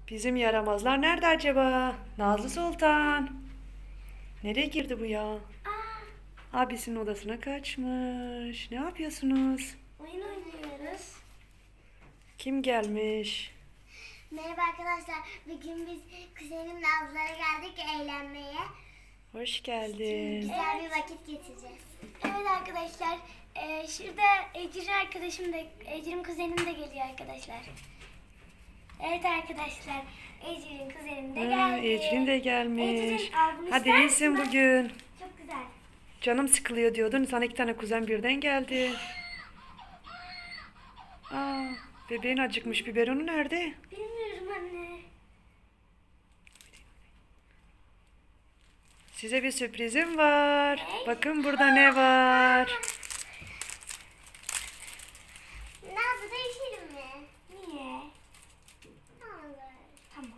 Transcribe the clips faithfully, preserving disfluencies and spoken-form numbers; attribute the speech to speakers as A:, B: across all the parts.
A: Bizim yaramazlar nerede acaba? Nazlı Sultan. Nereye girdi bu ya?
B: Aa,
A: Abisinin odasına kaçmış. Ne yapıyorsunuz?
B: oyun oynuyoruz.
A: Kim gelmiş?
B: Merhaba arkadaşlar. Bugün biz kuzenimle ablalara geldik eğlenmeye.
A: Hoş geldin.
B: Güzel bir vakit geçireceğiz. Evet arkadaşlar. E, şurada Ecrin arkadaşım da, Ecrin kuzenim de geliyor arkadaşlar. Evet arkadaşlar. Ecrin kuzenim de
A: Ha,
B: geldi.
A: Ecrin de gelmiş.
B: Ecrin, al bunu
A: Hadi
B: ister
A: iyisin
B: misin?
A: bugün.
B: Çok güzel.
A: Canım sıkılıyor diyordun. Sana iki tane kuzen birden geldi. Aa, bebeğin acıkmış. Biberonu nerede?
B: Bilmiyorum anne.
A: Size bir sürprizim var.
B: Ne?
A: Bakın burada ne var.
B: Nazlı değişelim mi? Niye? Olur. Tamam.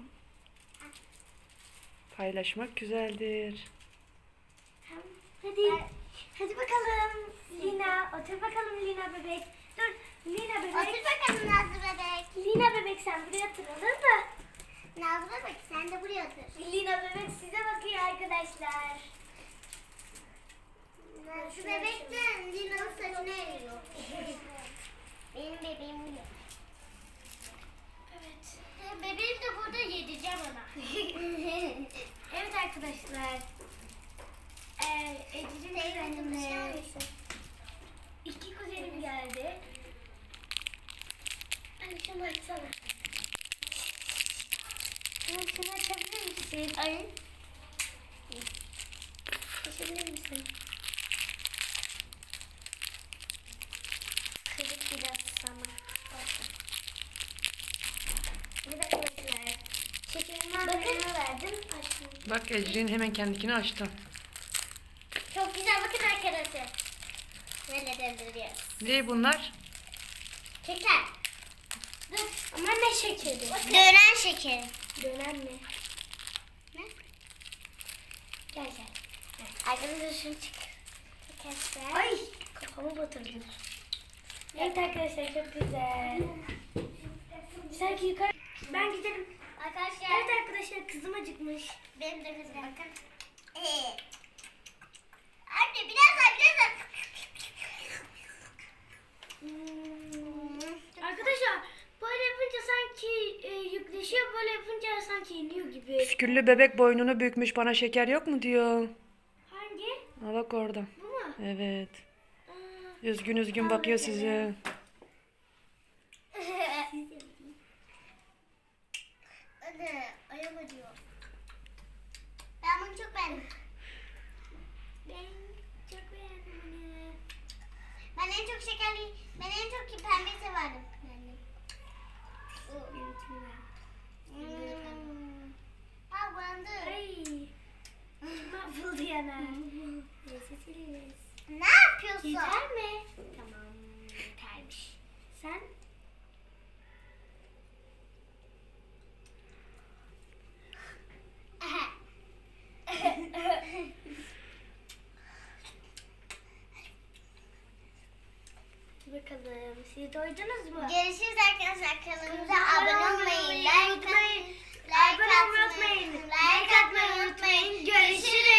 A: Paylaşmak güzeldir.
B: Tamam. Hadi. Hadi bakalım. Lina. Otur bakalım Lina bebek. Dur. Lina bebek. Otur bakalım Nazlı bebek. Lina bebek sen buraya otur olur mu? Nazlı bebek sen de buraya otur. Lina bebek size bakıyor arkadaşlar. Şu bebek de Lina'nın saçına eriyor. Benim bebeğim bu. Evet. Bebeğim de burada yedireceğim ona. Evet arkadaşlar. Ee, Ecrin kuzenimle iki kuzenim geldi. Ay şunu açsana. Şunu, şunu açabilir misin? Ay. Açabilir misin? Kırık biraz sana. Olsun. Evet arkadaşlar. Şekerimi abone verdim. Açtım.
A: Bak Ecrin hemen kendikini açtı.
B: Çok güzel bakın arkadaşlar. Böyle döndürüyoruz.
A: Ne bunlar?
B: Şeker. Dur ama ne şekeri? Dönen şekeri. Dönen mi? Ne? Gel gel. Arkadaşlar şunu çık. Çekersen. Ay kafamı batırdım. Evet arkadaşlar çok güzel. Sanki yukarı. Ben gidelim. Arkadaşlar. Evet arkadaşlar kızım acıkmış. Benim de kızım. Bakın. Ee. Anne biraz daha biraz daha. Hmm. Arkadaşlar böyle yapınca sanki e, yükleşiyor, böyle yapınca sanki iniyor gibi.
A: Püsküllü bebek boynunu bükmüş. Bana şeker yok mu diyor.
B: Hangi?
A: Ha bak orada.
B: Bu mu?
A: Evet.
B: Aa.
A: Üzgün üzgün bakıyor size.
B: Anne ayağım acıyor. Ben bunu çok beğendim. Ben çok beğendim bunu. Ben en çok şekerli, ben en çok pembe severdim. Yani. Hmm. Ha bandı. Ay. Mahvoldu yana. Ne yapıyorsun? Yeter mi? Tamam. Yetermiş. Sen? Bakalım. Siz doydunuz mu? Görüşürüz arkadaşlar. Kanalımıza abone olmayı, like atmayı, like atmayı unutmayın. Like atmayı unutmayın. Görüşürüz.